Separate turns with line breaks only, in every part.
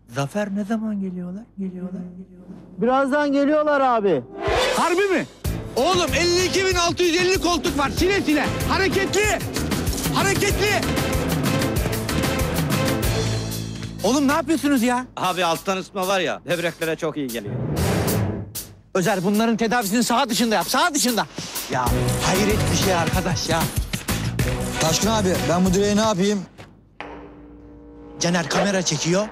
Zafer ne zaman geliyorlar?
Birazdan geliyorlar abi.
Harbi mi? Oğlum 52.650 koltuk var. Sile sile. Hareketli. Hareketli. Oğlum ne yapıyorsunuz ya?
Abi alttan ısıtma var ya, böbreklere çok iyi geliyor.
Özer bunların tedavisini saha dışında yap. Saha dışında. Ya hayret bir şey arkadaş ya.
Taşkın abi ben bu direği ne yapayım?
Caner kamera çekiyor.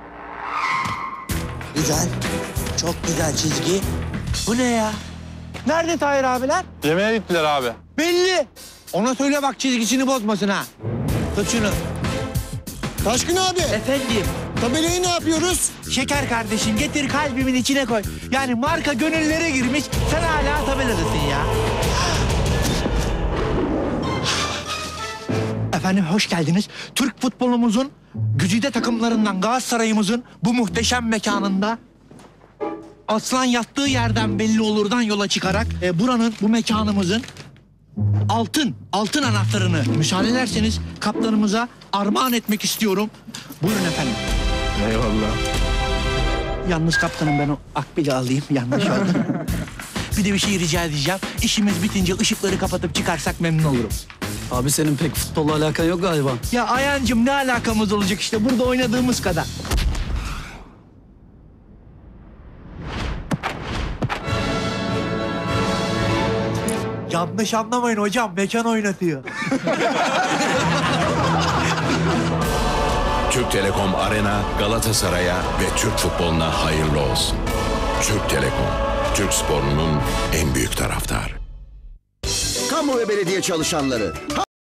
Güzel. Çok güzel çizgi.
Bu ne ya? Nerede Tahir abiler?
Yemeğe gittiler abi.
Belli. Ona söyle bak çizgisini bozmasın ha. Tut şunu.
Taşkın abi
Efendim.
tabelayı ne yapıyoruz?
Şeker kardeşim getir kalbimin içine koy. Yani marka gönüllere girmiş. Sen hala tabeladasın ya. Efendim hoş geldiniz. Türk futbolumuzun güzide takımlarından Galatasaray'ımızın bu muhteşem mekanında aslan yattığı yerden belli olurdan yola çıkarak buranın, bu mekanımızın altın anahtarını müsaade ederseniz kaptanımıza armağan etmek istiyorum. Buyurun efendim.
Eyvallah.
Yalnız kaptanım ben o akbili alayım. Yanlış oldu. Bir de bir şey rica edeceğim. İşimiz bitince ışıkları kapatıp çıkarsak memnun olurum.
Abi senin pek futbolla alakan yok galiba.
Ya Ayancığım ne alakamız olacak işte burada oynadığımız kadar. Yanlış anlamayın hocam mekan oynatıyor.
Türk Telekom Arena Galatasaray'a ve Türk futboluna hayırlı olsun. Türk Telekom, Türk sporunun en büyük taraftarı.
Kamu ve belediye çalışanları